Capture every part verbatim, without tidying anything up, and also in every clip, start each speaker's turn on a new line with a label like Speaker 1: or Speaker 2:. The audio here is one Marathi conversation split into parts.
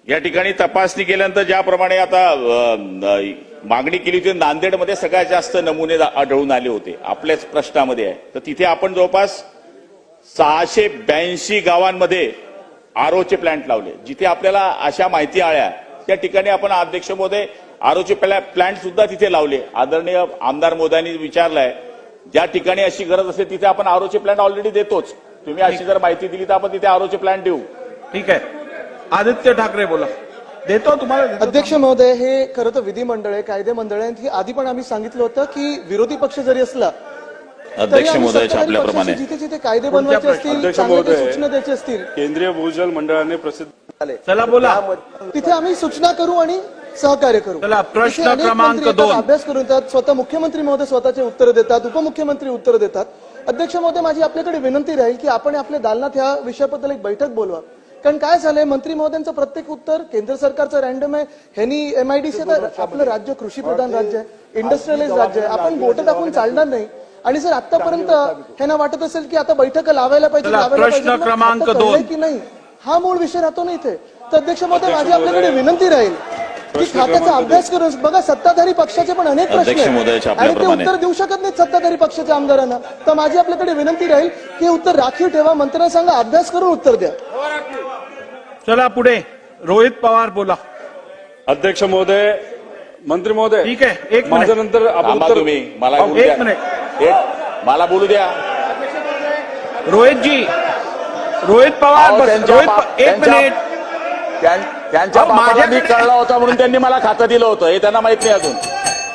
Speaker 1: या ठिकाणी तपासणी केल्यानंतर ज्याप्रमाणे आता मागणी केली होती नांदेडमध्ये सगळ्यात जास्त नमुने आढळून आले होते आपल्याच प्रश्नामध्ये आहे, तर तिथे आपण जवळपास सहाशे ब्याऐंशी गावांमध्ये आरोचे प्लांट लावले. जिथे आपल्याला अशा माहिती आल्या त्या ठिकाणी आपण अध्यक्ष महोदय आरोचे प्लांट सुद्धा तिथे लावले. आदरणीय आमदार मोदयांनी विचारलंय ज्या ठिकाणी अशी गरज असेल तिथे आपण आरोचे प्लांट ऑलरेडी देतोच. तुम्ही अशी जर माहिती दिली तर आपण तिथे आरोचे प्लांट देऊ.
Speaker 2: ठीक आहे. आदित्य ठाकरे बोला. देतो तुम्हाला.
Speaker 3: अध्यक्ष महोदय, हे खरं तर विधिमंडळ आहे, कायदे मंडळ आहे. ही आधी पण आम्ही सांगितलं होतं की विरोधी पक्ष जरी असला
Speaker 1: अध्यक्ष महोदयाच्या आपल्याप्रमाणे
Speaker 3: जिथे जिथे कायदे बनवायचे असतील, चांगल्या सूचना द्यायची असतील,
Speaker 4: केंद्रीय भूजल मंडळाने प्रसिद्ध झाले,
Speaker 2: चला बोला.
Speaker 3: तिथे आम्ही सूचना करू आणि सहकार्य करू.
Speaker 2: चला प्रश्न क्रमांक दोन.
Speaker 3: अभ्यास करून येतात, स्वतः मुख्यमंत्री महोदय स्वतःचे उत्तर देतात, उपमुख्यमंत्री उत्तर देतात. अध्यक्ष महोदय, माझी आपल्याकडे विनंती राहील की आपण आपल्या दालनात ह्या विषयाबद्दल एक बैठक बोलवा. कारण काय झालंय, मंत्री महोदयांचं प्रत्येक उत्तर केंद्र सरकारचं रॅन्डम आहे. ह्यांनी एमआयडीसी तर आपलं राज्य कृषी प्रधान राज्य आहे, इंडस्ट्रियलाइज राज्य आहे. आपण बोट टाकून चालणार नाही. आणि जर आतापर्यंत ह्यांना वाटत असेल की आता बैठक लावायला पाहिजे लावायला
Speaker 2: प्रश्न क्रमांक दोन
Speaker 3: की नाही, हा मूळ विषय राहतो ना इथे. तर अध्यक्ष महोदय, माझी आपल्याकडे विनंती राहील की खात्याचा अभ्यास करून बघा. सत्ताधारी पक्षाचे पण अनेक प्रश्न आहेत आणि ते उत्तर देऊ शकत नाहीत सत्ताधारी पक्षाच्या आमदारांना. तर माझी आपल्याकडे विनंती राहील की उत्तर राखीव ठेवा. मंत्र्यांना सांगा अभ्यास करून उत्तर द्या.
Speaker 2: चला पुढे. रोहित पवार बोला.
Speaker 4: अध्यक्ष महोदय, मंत्री महोदय,
Speaker 2: ठीक आहे. एक
Speaker 4: माझ्या नंतर आपण उत्तर
Speaker 1: तुम्ही मला बोलू
Speaker 2: एक
Speaker 1: द्या.
Speaker 2: मिनिट
Speaker 1: एक मला बोलू द्या.
Speaker 2: रोहित जी. रोहित पवार
Speaker 1: अहो,
Speaker 2: बस.
Speaker 1: त्यांच्या
Speaker 2: रोहित
Speaker 1: बाप-
Speaker 2: प- एक
Speaker 1: त्यांच्या-
Speaker 2: मिनिट.
Speaker 1: त्यां- त्यांच्या
Speaker 2: अहो,
Speaker 1: बापाला मी
Speaker 2: माझ्याकडे-
Speaker 1: कळला होता म्हणून त्यांनी मला खातं दिलं होतं हे त्यांना माहित नाही अजून.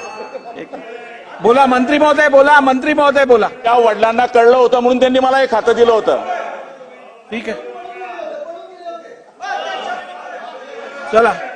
Speaker 2: बोला मंत्री महोदय बोला. मंत्री महोदय बोला.
Speaker 1: त्या वडिलांना कळलं होतं म्हणून त्यांनी मला हे खातं दिलं होतं.
Speaker 2: ठीक आहे. चला